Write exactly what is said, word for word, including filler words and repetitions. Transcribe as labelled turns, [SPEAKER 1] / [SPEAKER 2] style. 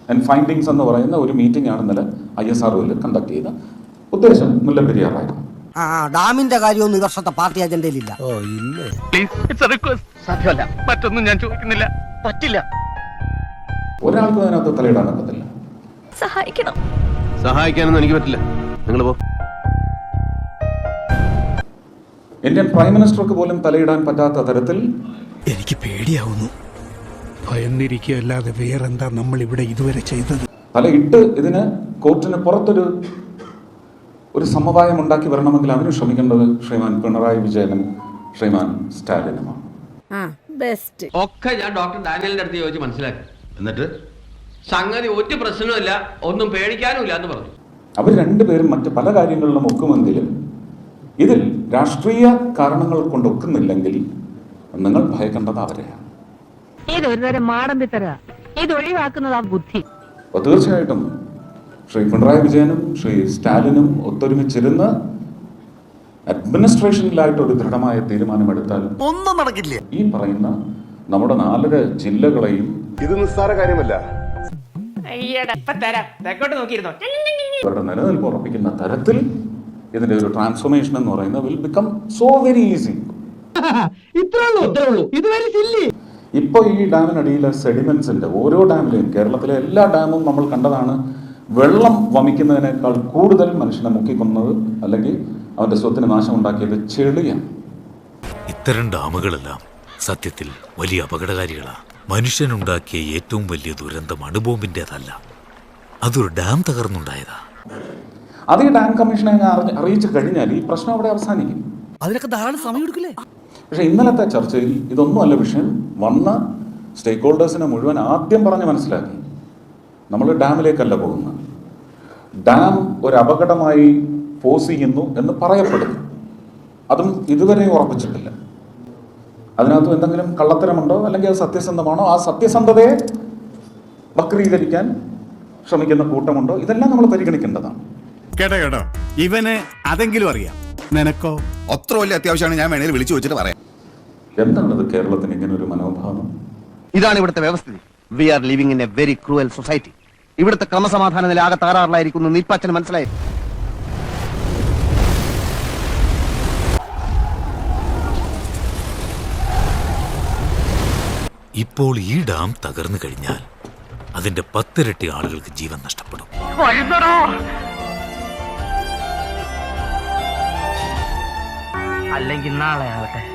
[SPEAKER 1] And findings എന്ന് പറയുന്ന ഒരു മീറ്റിംഗ് ആണ് ഇന്നലെ ഐ എസ് ആർ ഒയിൽ കണ്ടക്ട് ചെയ്ത. ഉദ്ദേശം മുല്ലപ്പെരിയാറായിരുന്നു.
[SPEAKER 2] ഡാമിന്റെ കാര്യമൊന്നും ഈ വർഷത്തെ പാർട്ടി അജണ്ടയിലില്ല.
[SPEAKER 3] മറ്റൊന്നും ഞാൻ ചോദിക്കുന്നില്ല, പറ്റില്ല.
[SPEAKER 1] ഒരാൾക്കും അതിനകത്ത് തലയിടാൻ പറ്റത്തില്ല.
[SPEAKER 4] സഹായിക്കണം.
[SPEAKER 5] സഹായിക്കാനൊന്നും എനിക്ക് പറ്റില്ല, നിങ്ങൾ പോ.
[SPEAKER 1] ഇന്ത്യൻ പ്രൈം മിനിസ്റ്റർക്ക് പോലും തലയിടാൻ പറ്റാത്ത തരത്തിൽ
[SPEAKER 6] എനിക്ക് പേടിയാവുന്നു. ഭയന്നിരിക്കുകയല്ലാതെ വേറെന്താ നമ്മൾ ഇവിടെ ഇതുവരെ ചെയ്തത്?
[SPEAKER 1] തലയിട്ട് ഇതിന് കോർട്ടിന് പുറത്തൊരു ഒരു സമവായം ഉണ്ടാക്കി വരണമെങ്കിൽ അവന് ശ്രമിക്കേണ്ടത് ശ്രീമാൻ പിണറായി വിജയനും ശ്രീമാൻ സ്റ്റാലിനുമാണ്.
[SPEAKER 7] ഒക്കെ ഞാൻ ഡോക്ടർ ഡാനിയലിന്റെ അടുത്ത് ചോദിച്ച് മനസ്സിലാക്കി. എന്നിട്ട് സംഗതി ഒരു പ്രശ്നമില്ല, ഒന്നും പേടിക്കാനുമില്ല എന്ന് പറഞ്ഞു.
[SPEAKER 1] അവർ രണ്ടുപേരും മറ്റ് പല കാര്യങ്ങളിലും ഒക്കുമെങ്കിലും ഇതിൽ രാഷ്ട്രീയ കാരണങ്ങൾ കൊണ്ട് ഒക്കുന്നില്ലെങ്കിൽ നിങ്ങൾ ഭയക്കേണ്ടത് അവരെയാണ്. അപ്പൊ തീർച്ചയായിട്ടും ശ്രീ പിണറായി വിജയനും ശ്രീ സ്റ്റാലിനും ഒത്തൊരുമിച്ചിരുന്ന് അഡ്മിനിസ്ട്രേഷനിലായിട്ട് ഒരു ദൃഢമായ തീരുമാനമെടുത്താലും
[SPEAKER 3] ഒന്നും നടക്കില്ല.
[SPEAKER 1] ഈ പറയുന്ന നമ്മുടെ നാലര ജില്ലകളെയും
[SPEAKER 5] ഇത് നിസ്സാര കാര്യമല്ല.
[SPEAKER 1] അവരുടെ നിലനിൽപ്പ് ഉറപ്പിക്കുന്ന തരത്തിൽ ഇതിന്റെ ഒരു ട്രാൻസ്ഫോർമേഷൻ എന്ന് പറയുന്നത് will become so very easy. ഇപ്പൊ ഈ ഡാമിനടിയിലെ സെഡിമെന്റ്സിന്റെ ഓരോ ഡാമിലെയും, കേരളത്തിലെ എല്ലാ ഡാമും നമ്മൾ കണ്ടതാണ്, വെള്ളം വമിക്കുന്നതിനേക്കാൾ കൂടുതൽ മനുഷ്യനെ മുക്കിക്കൊന്നത് അല്ലെങ്കിൽ അവന്റെ സ്വത്തിന് നാശം ഉണ്ടാക്കിയത് ചെളിയാണ്.
[SPEAKER 8] ഇത്തരം ഡാമുകളെല്ലാം സത്യത്തിൽ വലിയ അപകടകാരികളാണ്. മനുഷ്യനുണ്ടാക്കിയ ഏറ്റവും വലിയ ദുരന്തം അണുബോംബിൻ്റെതല്ല, അതൊരു ഡാം തകർന്നുണ്ടായതാ.
[SPEAKER 1] അത് ഈ ഡാം കമ്മീഷനെ അറിയിച്ചു കഴിഞ്ഞാൽ ഈ പ്രശ്നം അവിടെ അവസാനിക്കും.
[SPEAKER 2] അതിനൊക്കെ ധാരാളം സമയം എടുക്കില്ലേ?
[SPEAKER 1] പക്ഷെ ഇന്നലത്തെ ചർച്ചയിൽ ഇതൊന്നുമല്ല വിഷയം. വന്ന സ്റ്റേക്ക് ഹോൾഡേഴ്സിനെ മുഴുവൻ ആദ്യം പറഞ്ഞ് മനസ്സിലാക്കി, നമ്മൾ ഡാമിലേക്കല്ല പോകുന്നത്, ഡാം ഒരു അപകടമായി പോസ് ചെയ്യുന്നു എന്ന് പറയപ്പെടുന്നു. അതും ഇതുവരെ ഉറപ്പിച്ചിട്ടില്ല. അതിനകത്ത് എന്തെങ്കിലും കള്ളത്തരമുണ്ടോ അല്ലെങ്കിൽ അത് സത്യസന്ധമാണോ, ആ സത്യസന്ധതയെ വക്രീകരിക്കാൻ ശ്രമിക്കുന്ന കൂട്ടമുണ്ടോ, ഇതെല്ലാം നമ്മൾ പരിഗണിക്കേണ്ടതാണ്.
[SPEAKER 6] കേട്ടോ കേട്ടോ, ഇവന് അതെങ്കിലും അറിയാം. നിനക്കോ?
[SPEAKER 3] അത്ര വലിയ അത്യാവശ്യമാണ്, ഞാൻ വേണേൽ വിളിച്ചു വെച്ചിട്ട് പറയാം.
[SPEAKER 1] എന്താണത് കേരളത്തിന് ഇങ്ങനെ ഒരു മനോഭാവം?
[SPEAKER 5] ഇതാണ് ഇവിടുത്തെ വ്യവസ്ഥിതി. We are living in a very cruel society. ഇവിടുത്തെ ക്രമസമാധാന നില ആകെ താറാറിലായിരിക്കുന്നു. നീൽപ്പാച്ചന് മനസ്സിലായി.
[SPEAKER 8] ഇപ്പോൾ ഈ ഡാം തകർന്നു കഴിഞ്ഞാൽ അതിന്റെ പത്തിരട്ടി ആളുകൾക്ക് ജീവൻ നഷ്ടപ്പെടും.
[SPEAKER 7] അല്ലെങ്കിൽ നാളെ ആവട്ടെ.